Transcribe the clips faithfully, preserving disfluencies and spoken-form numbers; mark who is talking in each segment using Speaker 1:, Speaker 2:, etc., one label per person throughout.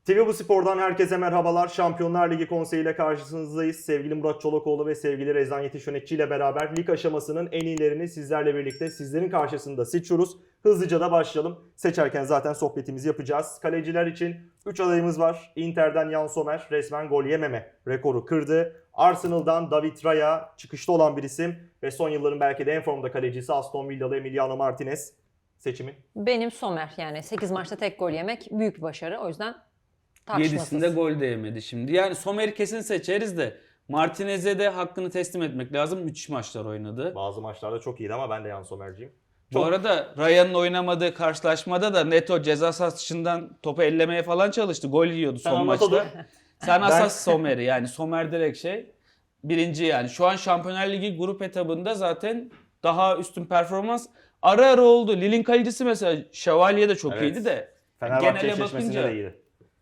Speaker 1: T V Bu Spor'dan herkese merhabalar. Şampiyonlar Ligi Konseyi ile karşınızdayız. Sevgili Murat Çolakoğlu ve sevgili Rezan Yetiş Yönetici ile beraber lig aşamasının en iyilerini sizlerle birlikte sizlerin karşısında seçiyoruz. Hızlıca da başlayalım. Seçerken zaten sohbetimizi yapacağız. Kaleciler için üç adayımız var. Inter'den Yann Sommer resmen gol yememe rekoru kırdı. Arsenal'dan David Raya çıkışta olan bir isim ve son yılların belki de en formda kalecisi Aston Villalı Emiliano Martinez seçimi.
Speaker 2: Benim Sommer, yani sekiz maçta tek gol yemek büyük bir başarı. O yüzden tartışmasız.
Speaker 3: Yedisinde gol de yemedi şimdi. Yani Sommer'i kesin seçeriz de Martinez'e de hakkını teslim etmek lazım. Müthiş maçlar oynadı.
Speaker 1: Bazı maçlarda çok iyiydi ama ben de Yann Sommer'ciyim.
Speaker 3: Bu
Speaker 1: Çok...
Speaker 3: arada Ryan'ın oynamadığı karşılaşmada da Neto ceza sahası dışından topu ellemeye falan çalıştı. Gol yiyordu
Speaker 1: Sen
Speaker 3: son
Speaker 1: anlat
Speaker 3: maçta.
Speaker 1: oğlum.
Speaker 3: Sen
Speaker 1: Ben-
Speaker 3: asas Sommer'i, yani Sommer direkt şey birinci yani. Şu an Şampiyonlar Ligi grup etabında zaten daha üstün performans ara ara oldu. Lille'in kalecisi mesela Şövalye de çok
Speaker 1: Evet.
Speaker 3: iyiydi de
Speaker 1: Fenerbahçe
Speaker 3: genele
Speaker 1: eşleşmesinde
Speaker 3: bakınca
Speaker 1: de iyiydi.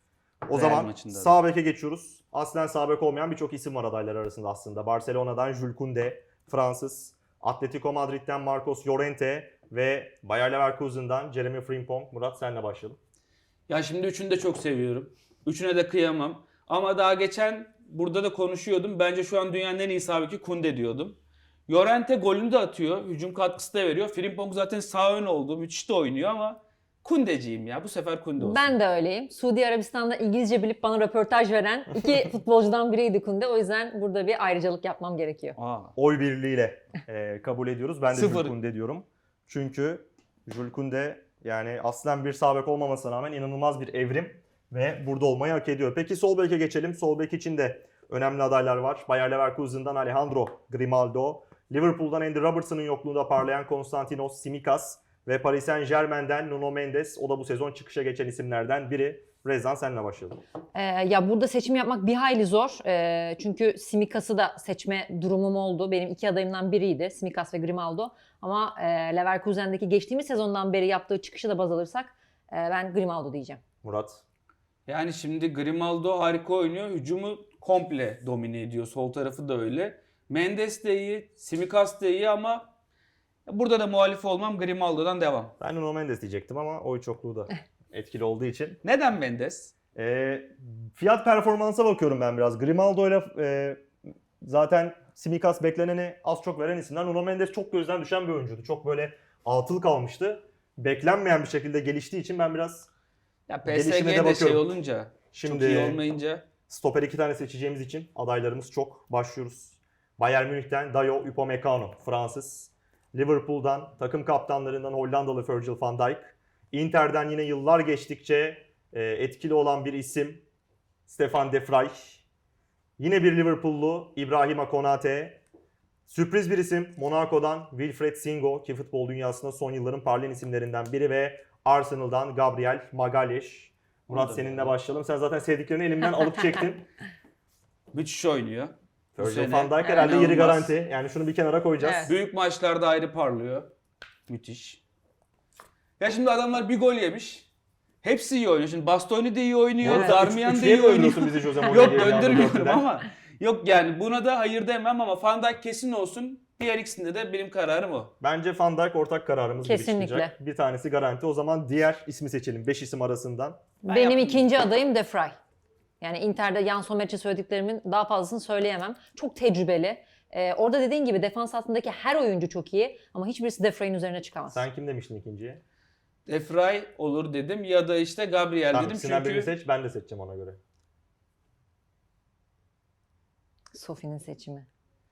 Speaker 1: O
Speaker 3: Real
Speaker 1: zaman
Speaker 3: maçında da.
Speaker 1: sağ beke geçiyoruz. Aslen sağ bek olmayan birçok isim var adaylar arasında aslında. Barcelona'dan Jules Koundé, Fransız. Atletico Madrid'den Marcos Llorente ve Bayer Leverkusen'dan Jeremy Frimpong. Murat senle başlayalım.
Speaker 3: Ya şimdi üçünü de çok seviyorum. Üçüne de kıyamam. Ama daha geçen burada da konuşuyordum. Bence şu an dünyanın en iyi sağ beki Koundé diyordum. Llorente golünü de atıyor. Hücum katkısı da veriyor. Frimpong zaten sağ ön oldu. Müthiş de oynuyor ama Koundé'ciyim ya. Bu sefer Koundé olsun.
Speaker 2: Ben de öyleyim. Suudi Arabistan'da İngilizce bilip bana röportaj veren iki futbolcudan biriydi Koundé. O yüzden burada bir ayrıcalık yapmam gerekiyor.
Speaker 3: Aa.
Speaker 1: Oy birliğiyle e, kabul ediyoruz. Ben de Jules
Speaker 3: Sıfır.
Speaker 1: Koundé diyorum. Çünkü Jules Koundé yani aslen bir sağ bek olmamasına rağmen inanılmaz bir evrim ve burada olmayı hak ediyor. Peki sol beke geçelim. Sol bek için de önemli adaylar var. Bayer Leverkusen'dan Alejandro Grimaldo, Liverpool'dan Andy Robertson'ın yokluğunda parlayan Konstantinos Tsimikas ve Paris Saint-Germain'den Nuno Mendes. O da bu sezon çıkışa geçen isimlerden biri. Rezan senle başlayalım.
Speaker 2: Ee, ya burada seçim yapmak bir hayli zor. Ee, çünkü Simikas'ı da seçme durumum oldu. Benim iki adayımdan biriydi. Simikas ve Grimaldo. Ama e, Leverkusen'deki geçtiğimiz sezondan beri yaptığı çıkışı da baz alırsak e, ben Grimaldo diyeceğim.
Speaker 1: Murat.
Speaker 3: Yani şimdi Grimaldo harika oynuyor. Hücumu komple domine ediyor. Sol tarafı da öyle. Mendes de iyi. Tsimikas da iyi ama burada da muhalif olmam. Grimaldo'dan devam.
Speaker 1: Ben Nuno Mendes diyecektim ama oy çokluğu da etkili olduğu için.
Speaker 3: Neden Mendes?
Speaker 1: E, fiyat performansa bakıyorum ben biraz. Grimaldo ile e, zaten Tsimikas bekleneni az çok veren isimler. Nuno Mendes çok gözden düşen bir oyuncuydu. Çok böyle atıl kalmıştı. Beklenmeyen bir şekilde geliştiği için ben biraz
Speaker 3: Ya
Speaker 1: gelişime de
Speaker 3: P S G'de şey
Speaker 1: bakıyorum.
Speaker 3: olunca,
Speaker 1: Şimdi
Speaker 3: çok iyi olmayınca.
Speaker 1: stoper iki tane seçeceğimiz için adaylarımız çok. Başlıyoruz. Bayern Münih'ten Dayo Upamecano, Fransız. Liverpool'dan takım kaptanlarından Hollandalı Virgil van Dijk. Inter'den yine yıllar geçtikçe e, etkili olan bir isim Stefan de Vrij. Yine bir Liverpoollu İbrahima Konate. Sürpriz bir isim Monaco'dan Wilfried Singo ki futbol dünyasında son yılların parlayan isimlerinden biri ve Arsenal'dan Gabriel Magalhaes. Murat
Speaker 3: Onu da
Speaker 1: seninle
Speaker 3: beğendim.
Speaker 1: başlayalım. Sen zaten sevdiklerini elimden alıp çektin.
Speaker 3: Müthiş oynuyor. Bu
Speaker 1: Virgil
Speaker 3: sene
Speaker 1: van Dijk herhalde yeri
Speaker 3: inanılmaz.
Speaker 1: garanti. Yani şunu bir kenara koyacağız.
Speaker 2: Evet.
Speaker 3: Büyük maçlarda ayrı parlıyor. Müthiş. Ya şimdi adamlar bir gol yemiş. Hepsi iyi oynuyor. Şimdi Bastoni de iyi oynuyor.
Speaker 2: Evet.
Speaker 3: Darmian da
Speaker 1: Üçlüye
Speaker 3: iyi
Speaker 1: mi
Speaker 3: oynuyor.
Speaker 1: döndürüyorsun bizi Jose
Speaker 3: Yok
Speaker 1: Mourinho'ya ya da
Speaker 3: döndürmüyorum
Speaker 1: dörtlüden?
Speaker 3: ama. Yok yani buna da hayır demem ama Van Dijk kesin olsun. Diğer ikisinde de benim kararım o.
Speaker 1: Bence Van Dijk ortak kararımız gibi
Speaker 2: Kesinlikle.
Speaker 1: çıkacak. Bir tanesi garanti. O zaman diğer ismi seçelim. beş isim arasından.
Speaker 3: Ben
Speaker 2: Benim
Speaker 3: yaptım.
Speaker 2: ikinci adayım De Vrij. Yani Inter'de Yann Sommer için söylediklerimin daha fazlasını söyleyemem. Çok tecrübeli. Ee, orada dediğin gibi defans hattındaki her oyuncu çok iyi ama hiçbirisi De Vrij'in üzerine çıkamaz.
Speaker 1: Sen kim demiştin ikinciye?
Speaker 3: Efray olur dedim ya da işte Gabriel
Speaker 1: Tamam,
Speaker 3: dedim
Speaker 1: ikisinden birini
Speaker 3: çünkü
Speaker 1: seç. Ben de seçeceğim ona göre.
Speaker 2: Sofi'nin seçimi.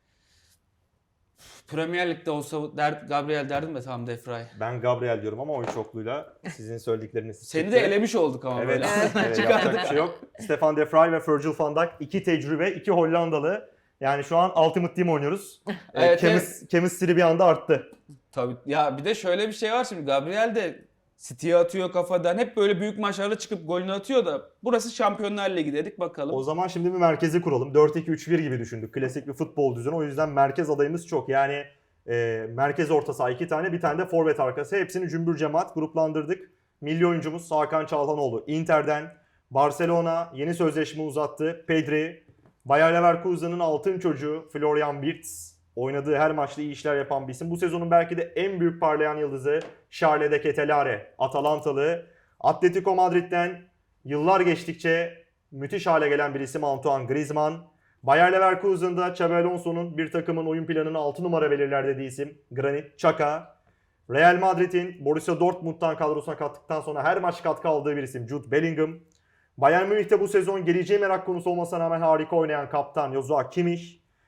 Speaker 3: Premier Lig'de olsa der, Gabriel derdim de tamam Defray.
Speaker 1: Ben Gabriel diyorum ama oy çokluğuyla sizin söyledikleriniz
Speaker 3: Seni
Speaker 1: çıktı.
Speaker 3: de elemiş olduk ama
Speaker 1: Evet,
Speaker 3: böyle.
Speaker 1: evet yapacak bir şey yok. Stefan de Vrij ve Virgil van Dijk iki tecrübe, iki Hollandalı. Yani şu an Ultimate Team oynuyoruz.
Speaker 3: Evet,
Speaker 1: ee, chemis- Chemistry bir anda arttı.
Speaker 3: Tabii ya bir de şöyle bir şey var şimdi Gabriel de City'ye atıyor kafadan. Hep böyle büyük maçlarda çıkıp golünü atıyor da burası Şampiyonlar Ligi dedik bakalım.
Speaker 1: O zaman şimdi bir merkezi kuralım. dört iki üç bir gibi düşündük. Klasik bir futbol düzeni. O yüzden merkez adayımız çok. Yani e, merkez orta saha iki tane, bir tane de forvet arkası. Hepsini cümbür cemaat gruplandırdık. Milli oyuncumuz Hakan Çalhanoğlu Inter'den. Barcelona yeni sözleşme uzattı. Pedri. Bayer Leverkusen'ın altın çocuğu Florian Wirtz. Oynadığı her maçta iyi işler yapan bir isim. Bu sezonun belki de en büyük parlayan yıldızı Charles de Ketelare, Atalantalı. Atletico Madrid'den Yıllar geçtikçe müthiş hale gelen bir isim Antoine Griezmann. Bayer Leverkusen'da Xabi Alonso'nun bir takımın oyun planını altı numara belirler dediği isim Granit Xhaka. Real Madrid'in Borussia Dortmund'dan kadrosuna kattıktan sonra her maç katkı aldığı bir isim Jude Bellingham. Bayern Münih'te bu sezon geleceği merak konusu olmasına rağmen harika oynayan kaptan Joshua Kimmich.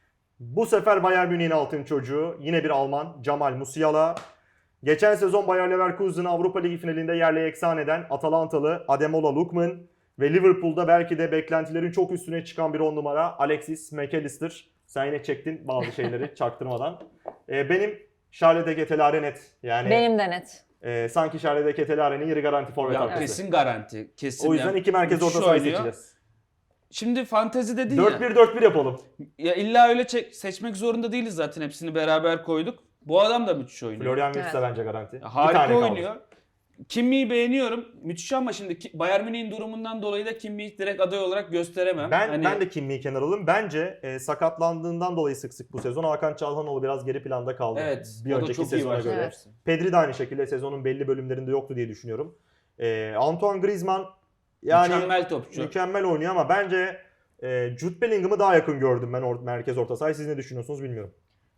Speaker 1: Bu sefer Bayern Münih'in altın çocuğu yine bir Alman Jamal Musiala. Geçen sezon Bayer Leverkusen'ı Avrupa Ligi finalinde yerle eksan eden Atalantalı Ademola Lookman ve Liverpool'da belki de beklentilerin çok üstüne çıkan bir on numara Alexis McAllister. Sen yine çektin bazı şeyleri çaktırmadan. Ee, benim Charles de Ketelaere net. Yani
Speaker 2: Benim de net.
Speaker 1: e, sanki Charles de Ketelaare'nin yeri garanti forvet
Speaker 3: Ya
Speaker 1: arkası.
Speaker 3: kesin garanti. Kesin.
Speaker 1: O yüzden
Speaker 3: Yani
Speaker 1: iki merkez orta
Speaker 3: müthiş
Speaker 1: sahayı
Speaker 3: oynuyor.
Speaker 1: seçeceğiz.
Speaker 3: Şimdi fantezi dedin
Speaker 1: dört
Speaker 3: ya.
Speaker 1: bir dört bir yapalım.
Speaker 3: Ya illa öyle çek- seçmek zorunda değiliz zaten. Hepsini beraber koyduk. Bu adam da müthiş oynuyor.
Speaker 1: Florian Wirtz de
Speaker 2: Evet.
Speaker 1: bence garanti.
Speaker 3: Ya
Speaker 1: Bir
Speaker 3: harika
Speaker 1: tane kaldı.
Speaker 3: oynuyor. Kimmi'yi beğeniyorum. Müthiş ama şimdi Ki- Bayern Münih'in durumundan dolayı da Kimmi'yi direkt aday olarak gösteremem.
Speaker 1: Ben
Speaker 3: Hani
Speaker 1: ben de Kimmi'yi kenara alayım. Bence e, sakatlandığından dolayı sık sık bu sezon Hakan Çalhanoğlu biraz geri planda kaldı.
Speaker 3: evet.
Speaker 1: Bir
Speaker 3: o da
Speaker 1: önceki
Speaker 3: çok iyi
Speaker 1: sezona
Speaker 3: başladı.
Speaker 1: göre.
Speaker 2: Evet.
Speaker 1: Pedri de aynı şekilde sezonun belli bölümlerinde yoktu diye düşünüyorum. E, Antoine Griezmann yani
Speaker 3: Mükemmel topçu.
Speaker 1: mükemmel oynuyor ama bence e, Jude Bellingham'ı daha yakın gördüm ben or- merkez orta sahayı. Siz ne düşünüyorsunuz bilmiyorum.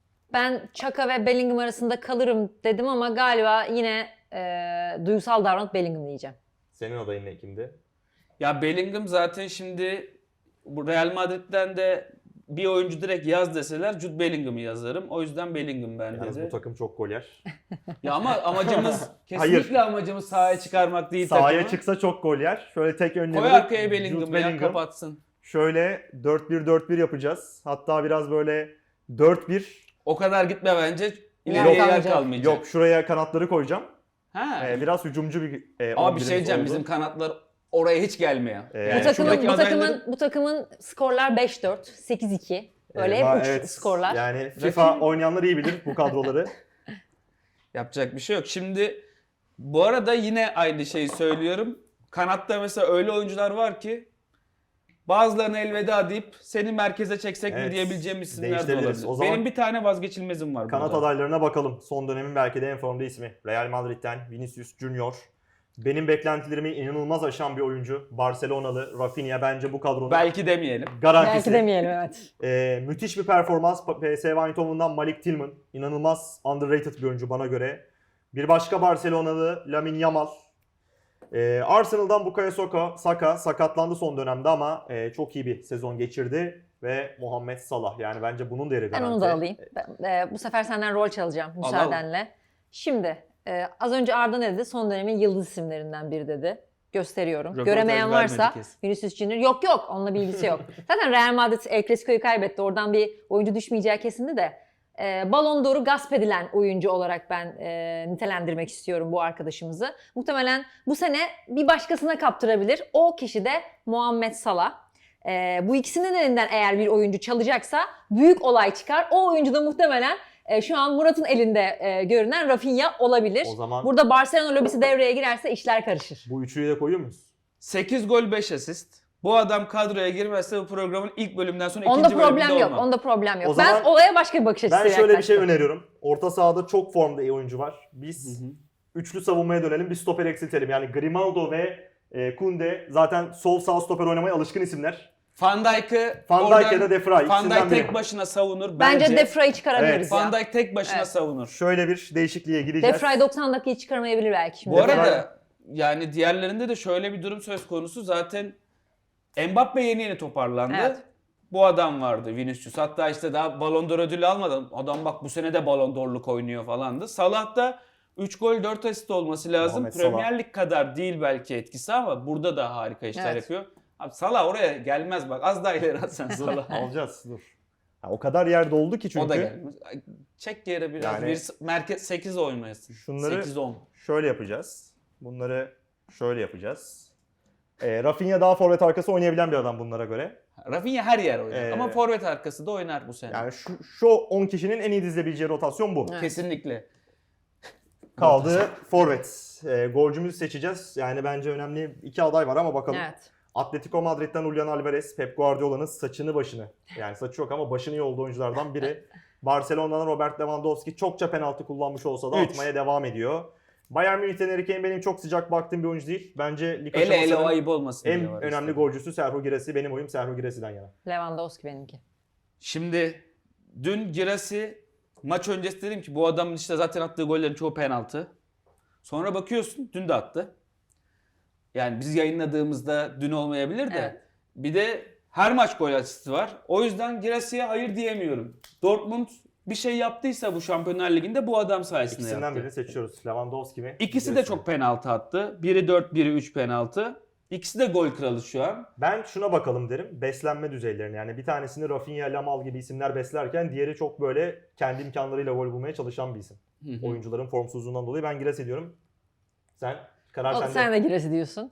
Speaker 2: Ben Xhaka ve Bellingham arasında kalırım dedim ama galiba yine e, duygusal davranıp Bellingham diyeceğim.
Speaker 1: Senin adayın ne kimdi?
Speaker 3: Ya Bellingham zaten şimdi bu Real Madrid'den de bir oyuncu direkt yaz deseler Jude Bellingham'ı yazarım. O yüzden Bellingham bende
Speaker 1: Yalnız
Speaker 3: de.
Speaker 1: bu takım çok gol yer.
Speaker 3: Ya ama amacımız kesinlikle amacımız sahaya çıkarmak değil
Speaker 1: Sahaya
Speaker 3: takımı.
Speaker 1: çıksa çok gol yer. Şöyle tek önlemde
Speaker 3: Koy arkaya
Speaker 1: Jude
Speaker 3: Bellingham'ı ya kapatsın.
Speaker 1: Şöyle dört bir dört bir yapacağız. Hatta biraz böyle dört bir.
Speaker 3: O kadar gitme bence.
Speaker 2: Yer
Speaker 3: İleriye yer
Speaker 2: kalmayacak.
Speaker 3: kalmayacak.
Speaker 1: Yok şuraya kanatları koyacağım.
Speaker 3: Ha.
Speaker 1: Ee, biraz hücumcu bir e,
Speaker 3: Ama bir
Speaker 1: on birimiz
Speaker 3: şey diyeceğim
Speaker 1: oldu.
Speaker 3: bizim kanatlar oraya hiç gelmiyor.
Speaker 1: Ee,
Speaker 3: Yani
Speaker 2: bu takımın
Speaker 3: şuradaki
Speaker 2: bu
Speaker 3: adayları-
Speaker 2: takımın bu takımın skorlar beş dört, sekiz iki. Böyle
Speaker 1: Ee,
Speaker 2: hep
Speaker 1: va-
Speaker 2: uç
Speaker 1: evet,
Speaker 2: skorlar.
Speaker 1: Yani FIFA oynayanlar iyi bilir bu kadroları.
Speaker 3: Yapacak bir şey yok. Şimdi bu arada yine aynı şeyi söylüyorum. Kanatta mesela öyle oyuncular var ki bazılarına elveda deyip seni merkeze çeksek
Speaker 1: Evet,
Speaker 3: mi diyebileceğim isimler de
Speaker 1: değiştirebiliriz.
Speaker 3: olabilir.
Speaker 1: O zaman-
Speaker 3: Benim bir tane vazgeçilmezim var
Speaker 1: Kanat
Speaker 3: burada.
Speaker 1: adaylarına bakalım. Son dönemin belki de en formda ismi. Real Madrid'den Vinicius Junior. Benim beklentilerimi inanılmaz aşan bir oyuncu. Barcelonalı Rafinha bence bu kadronun
Speaker 3: Belki demeyelim.
Speaker 1: garantisi.
Speaker 2: Belki demeyelim evet.
Speaker 1: Ee, müthiş bir performans. P S V Eindhoven'dan Malik Tillman. İnanılmaz underrated bir oyuncu bana göre. Bir başka Barcelonalı Lamine Yamal. Ee, Arsenal'dan Bukayo Saka, Saka sakatlandı son dönemde ama e, çok iyi bir sezon geçirdi. Ve Muhammed Salah. Yani bence bunun değeri
Speaker 2: Ben
Speaker 1: garanti.
Speaker 2: onu da alayım. Ben, e, bu sefer senden rol çalacağım
Speaker 3: al.
Speaker 2: müsaadenle. Şimdi e, az önce Arda ne dedi? Son dönemin yıldız isimlerinden biri dedi. Gösteriyorum.
Speaker 3: Röportaj
Speaker 2: Göremeyen varsa
Speaker 3: vermedi kesin.
Speaker 2: Vinicius Junior. Yok yok onunla bir ilgisi yok. Zaten Real Madrid El Clasico'yu kaybetti. Oradan bir oyuncu düşmeyeceği kesindi de. E, Ballon d'Or'u gasp edilen oyuncu olarak ben e, nitelendirmek istiyorum bu arkadaşımızı. Muhtemelen bu sene bir başkasına kaptırabilir. O kişi de Muhammed Salah. E, bu ikisinin elinden eğer bir oyuncu çalacaksa büyük olay çıkar. O oyuncu da muhtemelen e, şu an Murat'ın elinde e, görünen Rafinha olabilir.
Speaker 1: O zaman
Speaker 2: Burada Barcelona lobisi devreye girerse işler karışır.
Speaker 1: bu üçlüyü de koyuyor muyuz?
Speaker 3: sekiz gol beş asist. Bu adam kadroya girmezse bu programın ilk bölümden sonra
Speaker 2: Onda
Speaker 3: ikinci bölümünde
Speaker 2: problem yok.
Speaker 3: olmam.
Speaker 2: Onda problem yok.
Speaker 1: O zaman
Speaker 2: ben olaya başka bir bakış açısıyla
Speaker 1: Ben şöyle bir şey
Speaker 2: yaklaştım.
Speaker 1: öneriyorum. Orta sahada çok formda iyi oyuncu var. Biz
Speaker 3: Hı hı.
Speaker 1: üçlü savunmaya dönelim. Bir stoper eksiltelim. Yani Grimaldo ve e, Kunde zaten sol sağ stoper oynamaya alışkın isimler.
Speaker 3: Van Dijk'ı
Speaker 1: Van Dijk ya da De Vrij.
Speaker 3: Van Dijk
Speaker 1: ikisinden biri.
Speaker 3: tek başına savunur.
Speaker 2: Bence,
Speaker 3: Bence,
Speaker 2: De Vrij'i çıkarabiliriz
Speaker 1: Evet.
Speaker 2: ya.
Speaker 3: Van Dijk tek başına
Speaker 2: Evet.
Speaker 3: savunur.
Speaker 1: Şöyle bir değişikliğe
Speaker 2: De
Speaker 1: gideceğiz.
Speaker 2: Vrij doksan dakikayı çıkarmayabilir belki şimdi.
Speaker 3: Bu
Speaker 1: De
Speaker 3: arada yani diğerlerinde de şöyle bir durum söz konusu. Zaten Mbappe yeni yeni toparlandı.
Speaker 2: Evet.
Speaker 3: Bu adam vardı Vinicius. Hatta işte daha Ballon d'Or ödülü almadan adam bak bu sene de Ballon d'Or'luk oynuyor falandı. Salah da üç gol dört asist olması lazım.
Speaker 1: Muhammed Salah.
Speaker 3: Premier Lig kadar değil belki etkisi ama burada da harika işler
Speaker 2: Evet.
Speaker 3: yapıyor. Abi Salah oraya gelmez bak. Az daha ileri atsan Salah.
Speaker 1: Alacağız. Dur. Ha, o kadar yer doldu ki çünkü.
Speaker 3: O da gelmez. Ay, Çek yere biraz.
Speaker 1: Yani-
Speaker 3: bir merkez sekiz oynayasın.
Speaker 1: Şunları-
Speaker 3: sekiz on.
Speaker 1: Şöyle yapacağız. Bunları şöyle yapacağız. E, Rafinha daha forvet arkası oynayabilen bir adam bunlara göre.
Speaker 3: Rafinha her yer oynar.
Speaker 1: Ee,
Speaker 3: Ama forvet arkası da oynar bu sene.
Speaker 1: Yani şu, şu on kişinin en iyi dizilebileceği rotasyon bu.
Speaker 2: Evet.
Speaker 3: Kesinlikle.
Speaker 1: Kaldı forvet. E, golcümüzü seçeceğiz. Yani bence önemli iki aday var ama bakalım.
Speaker 2: Evet.
Speaker 1: Atletico Madrid'den Julian Alvarez, Pep Guardiola'nın saçını başını. Yani saçı yok ama başını iyi olduğu oyunculardan biri. Barcelona'dan Robert Lewandowski çokça penaltı kullanmış olsa da
Speaker 3: Üç.
Speaker 1: atmaya devam ediyor. Bayern Münih'ten Harry Kane benim çok sıcak baktığım bir oyuncu değil. Bence lig
Speaker 3: Ele ele o
Speaker 1: aşamasının
Speaker 3: ayıp olmasın
Speaker 1: en
Speaker 3: diye var
Speaker 1: önemli
Speaker 3: işte.
Speaker 1: golcüsü Serhou Girassi. Benim oyum Serhou Girassi'den yana.
Speaker 2: Lewandowski benimki.
Speaker 3: Şimdi dün Girassi maç öncesi dedim ki bu adamın işte zaten attığı gollerin çoğu penaltı. Sonra bakıyorsun dün de attı. Yani biz yayınladığımızda dün olmayabilir de.
Speaker 2: Evet.
Speaker 3: Bir de her maç gol asisti var. O yüzden Girassi'ye hayır diyemiyorum. Dortmund bir şey yaptıysa bu Şampiyonlar Ligi'nde bu adam sayesinde
Speaker 1: İkisinden
Speaker 3: yaptı.
Speaker 1: birini seçiyoruz. Lewandowski mi?
Speaker 3: İkisi de
Speaker 1: Girassi mi?
Speaker 3: çok penaltı attı. Biri dört, biri üç penaltı. İkisi de gol kralı şu an.
Speaker 1: Ben şuna bakalım derim. Beslenme düzeylerine. Yani bir tanesini Rafinha, Lamal gibi isimler beslerken diğeri çok böyle kendi imkanlarıyla gol bulmaya çalışan bir isim.
Speaker 3: Hı hı.
Speaker 1: Oyuncuların formsuzluğundan dolayı ben Girassi diyorum. Sen karar
Speaker 2: O,
Speaker 1: sende.
Speaker 2: sen de Girassi diyorsun.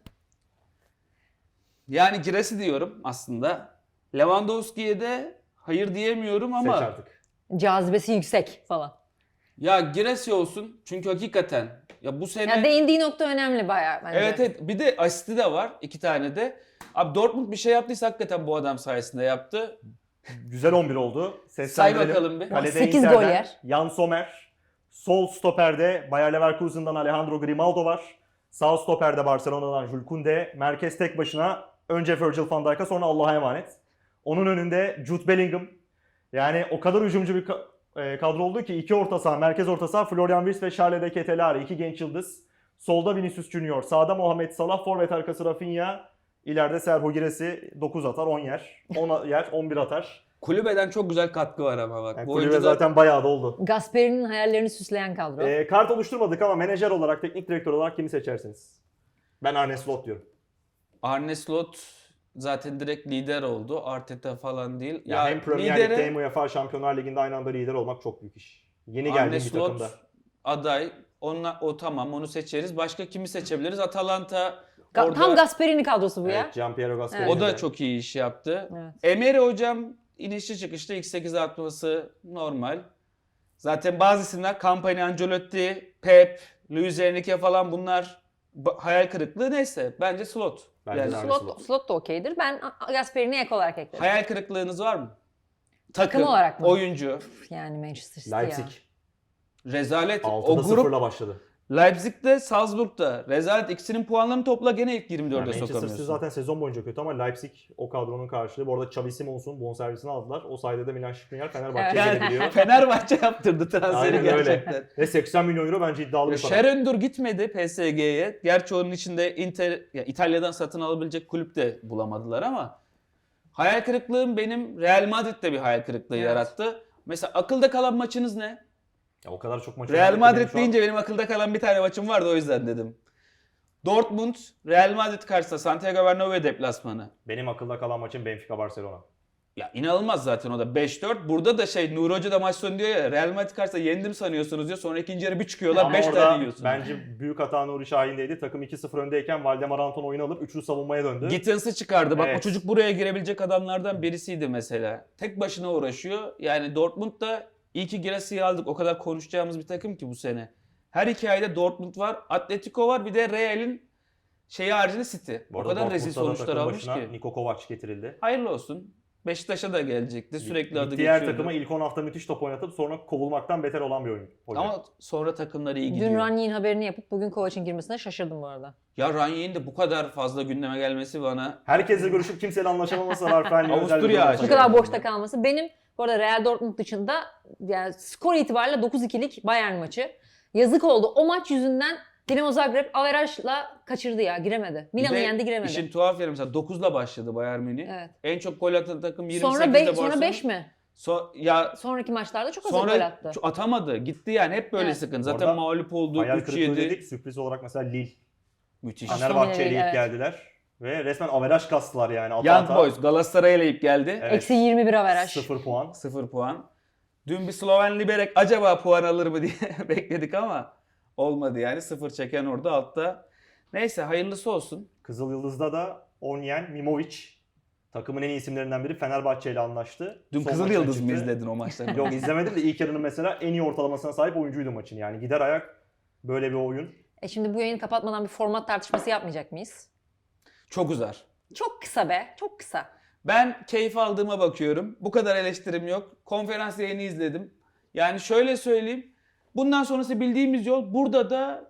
Speaker 3: Yani Girassi diyorum aslında. Lewandowski'ye de hayır diyemiyorum ama
Speaker 1: Seç artık.
Speaker 2: Cazibesi yüksek falan.
Speaker 3: ya Girassi olsun çünkü hakikaten ya bu sene
Speaker 2: Ya değindiği nokta önemli bayağı bence.
Speaker 3: evet evet bir de asisti de var iki tane de. Abi Dortmund bir şey yaptıysa hakikaten bu adam sayesinde yaptı.
Speaker 1: Güzel on bir oldu.
Speaker 3: Say
Speaker 1: Seslendirelim.
Speaker 3: bakalım bir.
Speaker 1: Kalede
Speaker 2: sekiz
Speaker 1: Inter'den
Speaker 2: gol yer.
Speaker 1: Jan Sommer. Sol stoperde Bayer Leverkusen'dan Alejandro Grimaldo var. Sağ stoperde Barcelona'dan Jules Koundé. Merkez tek başına önce Virgil van Dijk'a sonra Allah'a emanet. Onun önünde Jude Bellingham. Yani o kadar hücumcu bir ka- e, kadro oldu ki iki orta saha, merkez orta saha Florian Wirtz ve Charles de Ketelaere. iki genç yıldız. Solda Vinicius Junior, sağda Mohamed Salah, forvet arkası Rafinha. İleride Serhou Girassi dokuz atar, on yer. on yer, on bir atar.
Speaker 3: Kulübeden çok güzel katkı var ama bak.
Speaker 1: Yani
Speaker 3: bu
Speaker 1: kulübe
Speaker 3: oyuncu da
Speaker 1: zaten bayağı da oldu.
Speaker 2: Gasperi'nin hayallerini süsleyen kadro.
Speaker 1: Ee, kart oluşturmadık ama menajer olarak, teknik direktör olarak kimi seçersiniz? Ben Arne Slot diyorum.
Speaker 3: Arne Slot zaten direkt lider oldu. Arteta falan değil.
Speaker 1: Ya, hem Premier
Speaker 3: lideri-
Speaker 1: Lig'de hem UEFA Şampiyonlar Ligi'nde aynı anda lider olmak çok büyük iş. Yeni
Speaker 3: Arne
Speaker 1: geldiğim bir
Speaker 3: Slot
Speaker 1: takımda.
Speaker 3: aday. Onunla, o tamam onu seçeriz. Başka kimi seçebiliriz? Atalanta
Speaker 2: Ga-
Speaker 3: orada
Speaker 2: Tam Gasperini kadrosu bu ya.
Speaker 1: Evet, Gianpiero Gasperini.
Speaker 2: Evet.
Speaker 3: o da
Speaker 1: de.
Speaker 3: çok iyi iş yaptı.
Speaker 2: Evet.
Speaker 3: Emery hocam inişli çıkışlı ilk sekize atması normal. Zaten bazı isimler Campani, Ancelotti, Pep, Luis Enrique falan bunlar ba- hayal kırıklığı neyse. Bence Slot.
Speaker 1: Bence
Speaker 3: Yani
Speaker 1: de Arne
Speaker 2: Slot,
Speaker 1: Slot.
Speaker 2: slot da okeydir. Ben Gasperini ek olarak ekledim.
Speaker 3: hayal kırıklığınız var mı?
Speaker 2: Takım olarak mı?
Speaker 3: Oyuncu,
Speaker 2: Yani Manchester City
Speaker 1: Leipzig.
Speaker 2: ya.
Speaker 3: rezalet. O
Speaker 1: altıda
Speaker 3: grup
Speaker 1: sıfırla başladı.
Speaker 3: Leipzig'de, Salzburg'da rezalet. İkisinin puanlarını topla gene ilk yirmi
Speaker 1: Yani
Speaker 3: dörde
Speaker 1: Manchester City
Speaker 3: sokamıyorsun.
Speaker 1: zaten sezon boyunca kötü ama Leipzig o kadronun karşılığı. Bu arada Xavi Simons'un bonservisini aldılar. O sayede de Milan Skriniar Fenerbahçe'ye
Speaker 2: Evet.
Speaker 1: gelebiliyor.
Speaker 3: Fenerbahçe yaptırdı transferi
Speaker 1: Aynen öyle.
Speaker 3: gerçekten.
Speaker 1: Ve seksen milyon euro bence iddialı bir para.
Speaker 3: Şerendur gitmedi P S G'ye. Gerçi onun içinde Inter, ya İtalya'dan satın alabilecek kulüp de bulamadılar ama hayal kırıklığım benim Real Madrid'de bir hayal kırıklığı
Speaker 2: Evet.
Speaker 3: yarattı. Mesela akılda kalan maçınız ne?
Speaker 1: Ya o kadar çok maç
Speaker 3: Real
Speaker 1: oynadık ki benim
Speaker 3: Madrid
Speaker 1: şu an-
Speaker 3: deyince benim akılda kalan bir tane maçım vardı o yüzden dedim. Dortmund, Real Madrid karşısında Santiago Bernabéu deplasmanı.
Speaker 1: Benim akılda kalan maçım Benfica Barcelona.
Speaker 3: Ya inanılmaz zaten o da beş dört. Burada da şey Nuri Hoca da maç sonu diyor ya Real Madrid karşısında yendim sanıyorsunuz diyor. Sonra ikinci yarı bir çıkıyorlar
Speaker 1: Ama
Speaker 3: beş
Speaker 1: orada
Speaker 3: tane yiyorsunuz.
Speaker 1: bence büyük hata Nuri Şahin'deydi. Takım iki sıfır öndeyken Valdemar Anton oyunu alıp üçlü savunmaya döndü.
Speaker 3: Gittens'ı çıkardı. Bak
Speaker 1: Evet.
Speaker 3: o çocuk buraya girebilecek adamlardan birisiydi mesela. Tek başına uğraşıyor. Yani Dortmund da iyi ki Girassi'yi aldık. O kadar konuşacağımız bir takım ki bu sene. Her hikayede Dortmund var, Atletico var, bir de Real'in şeyi haricinde City.
Speaker 1: Bu
Speaker 3: O
Speaker 1: arada
Speaker 3: kadar rezil
Speaker 1: Dortmund'da da
Speaker 3: sonuçlar
Speaker 1: takım
Speaker 3: almış
Speaker 1: başına
Speaker 3: ki.
Speaker 1: Niko Kovac getirildi.
Speaker 3: Hayırlı olsun. Beşiktaş'a da gelecekti. Sürekli adı
Speaker 1: Diğer
Speaker 3: geçiyordu.
Speaker 1: takıma ilk on hafta müthiş top oynatıp sonra kovulmaktan beter olan bir oyun. Hoca.
Speaker 3: Ama sonra takımları iyi gidiyor.
Speaker 2: Dün Ranieri'nin haberini yapıp bugün Kovac'ın girmesine şaşırdım bu arada.
Speaker 3: Ya Ranieri'nin de bu kadar fazla gündeme gelmesi bana
Speaker 1: Herkesle görüşüp kimseyle anlaşamaması Rafael Leao özel bir
Speaker 3: Avusturya
Speaker 1: durum
Speaker 3: aşığı.
Speaker 2: Bu
Speaker 1: yaşadı.
Speaker 2: kadar boşta kalması. Benim bu arada Real Dortmund dışında yani skor itibariyle dokuz ikilik Bayern maçı. Yazık oldu. O maç yüzünden Dinamo Zagreb averajla kaçırdı ya. Giremedi.
Speaker 3: Bir
Speaker 2: Milan'ı
Speaker 3: de
Speaker 2: yendi giremedi.
Speaker 3: İşin tuhaf yeri mesela dokuzla başladı Bayern Münih.
Speaker 2: Evet.
Speaker 3: En çok gol atan takım yirmi sekizde
Speaker 2: Sonra, be-
Speaker 3: Barcelona.
Speaker 2: sonra beş mi?
Speaker 3: So- ya
Speaker 2: Sonraki maçlarda çok az gol
Speaker 3: sonra
Speaker 2: attı.
Speaker 3: ç- atamadı. Gitti yani hep böyle
Speaker 2: Evet.
Speaker 3: sıkıntı.
Speaker 1: Orada
Speaker 3: Zaten mağlup oldu.
Speaker 1: Hayal
Speaker 3: üç
Speaker 1: kırıklığı
Speaker 3: yedi.
Speaker 1: dedik. Sürpriz olarak mesela Lille.
Speaker 3: Müthiş.
Speaker 2: Aston
Speaker 1: Fenerbahçe'ye
Speaker 2: Villa'yı,
Speaker 1: ilk
Speaker 2: evet.
Speaker 1: geldiler. Ve resmen averaj kastılar yani. Ata
Speaker 3: Young
Speaker 1: ata.
Speaker 3: Boys Galatasaray'a eleyip geldi.
Speaker 1: Evet.
Speaker 2: Eksi yirmi bir averaj.
Speaker 1: sıfır puan.
Speaker 3: sıfır puan. Dün bir Sloven Liberec acaba puan alır mı diye bekledik ama olmadı yani. sıfır çeken orada altta. Neyse hayırlısı olsun.
Speaker 1: Kızıl Yıldız'da da Onyen Mimovic. Takımın en iyi isimlerinden biri Fenerbahçe ile anlaştı.
Speaker 3: Dün
Speaker 1: Son
Speaker 3: Kızıl
Speaker 1: maçına
Speaker 3: Yıldız mı
Speaker 1: çıktı.
Speaker 3: izledin o maçları?
Speaker 1: Yok izlemedim de ilk yarının mesela en iyi ortalamasına sahip oyuncuydu maçın. Yani gider ayak böyle bir oyun.
Speaker 2: E şimdi bu yayını kapatmadan bir format tartışması yapmayacak mıyız?
Speaker 3: Çok uzar.
Speaker 2: Çok kısa be. Çok kısa.
Speaker 3: Ben keyif aldığıma bakıyorum. Bu kadar eleştirim yok. Konferans yayını izledim. Yani şöyle söyleyeyim. Bundan sonrası bildiğimiz yol. Burada da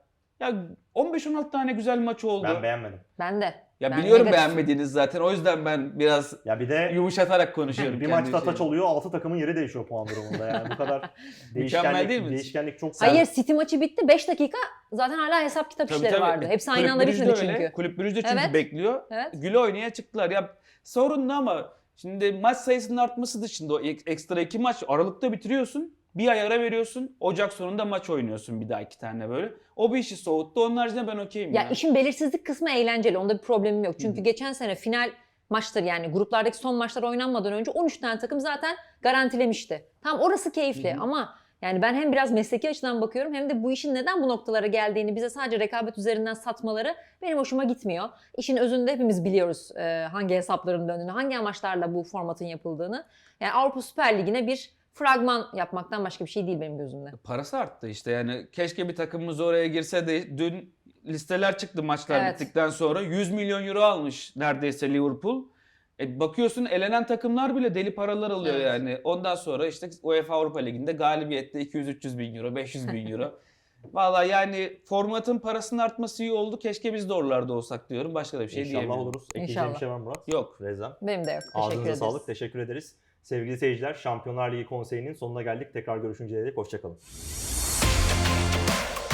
Speaker 3: Ya on beş on altı tane güzel maç oldu.
Speaker 1: Ben beğenmedim.
Speaker 2: Ben de.
Speaker 3: Ya
Speaker 2: Ben
Speaker 3: biliyorum
Speaker 2: negatif.
Speaker 3: beğenmediğiniz zaten. O yüzden ben biraz
Speaker 1: Ya bir de
Speaker 3: yumuşatarak konuşuyorum.
Speaker 1: bir
Speaker 3: kendi
Speaker 1: maçta ataç
Speaker 3: şeyimi.
Speaker 1: oluyor, altı takımın yeri değişiyor puan durumunda yani bu kadar
Speaker 3: Mükemmel değil
Speaker 1: değişkenlik,
Speaker 3: mi?
Speaker 1: değişkenlik çok
Speaker 2: Hayır, City maçı bitti. beş dakika zaten hala hesap kitap
Speaker 3: Tabii,
Speaker 2: işleri
Speaker 3: tabii.
Speaker 2: vardı. Hepsi aynı
Speaker 3: Kulüp
Speaker 2: anda
Speaker 3: Brugge'de
Speaker 2: bitmedi
Speaker 3: öyle.
Speaker 2: çünkü.
Speaker 3: Kulüp Brugge'de çünkü
Speaker 2: Evet.
Speaker 3: bekliyor.
Speaker 2: Evet.
Speaker 3: Güle oynaya çıktılar. Ya sorunlu ama şimdi maç sayısının artması dışında o ek- ekstra iki maç Aralık'ta bitiriyorsun. Bir ay ara veriyorsun. Ocak sonunda maç oynuyorsun bir daha iki tane böyle. O bir işi soğuttu. Onun haricinde ben okeyim
Speaker 2: Ya
Speaker 3: ya.
Speaker 2: işin belirsizlik kısmı eğlenceli. Onda bir problemim yok. Çünkü
Speaker 1: Hı hı.
Speaker 2: geçen sene final maçları, yani gruplardaki son maçlar oynanmadan önce on üç tane takım zaten garantilemişti. Tam orası keyifli
Speaker 3: Hı hı.
Speaker 2: ama yani ben hem biraz mesleki açıdan bakıyorum hem de bu işin neden bu noktalara geldiğini bize sadece rekabet üzerinden satmaları benim hoşuma gitmiyor. İşin özünde hepimiz biliyoruz e, hangi hesapların döndüğünü, hangi amaçlarla bu formatın yapıldığını. Yani Avrupa Süper Ligi'ne bir fragman yapmaktan başka bir şey değil benim gözümde.
Speaker 3: Parası arttı işte yani keşke bir takımımız oraya girse de dün listeler çıktı maçlar
Speaker 2: Evet.
Speaker 3: bittikten sonra yüz milyon euro almış neredeyse Liverpool. E bakıyorsun elenen takımlar bile deli paralar alıyor
Speaker 2: Evet.
Speaker 3: yani. Ondan sonra işte UEFA Avrupa Ligi'nde galibiyette iki yüz üç yüz bin euro, beş yüz bin euro. Valla yani formatın parasının artması iyi oldu. Keşke biz de oralarda olsak diyorum. Başka da bir şey
Speaker 1: İnşallah
Speaker 3: diyemiyorum.
Speaker 1: oluruz. Ekleyeceğim
Speaker 2: İnşallah.
Speaker 1: bir şey var mı Murat?
Speaker 3: Yok.
Speaker 1: Rezan.
Speaker 2: Benim de yok. Teşekkür
Speaker 1: Ağzınıza
Speaker 2: ederiz.
Speaker 1: sağlık. Teşekkür ederiz. Sevgili seyirciler, Şampiyonlar Ligi Konseyi'nin sonuna geldik. Tekrar görüşünceye dek hoşçakalın.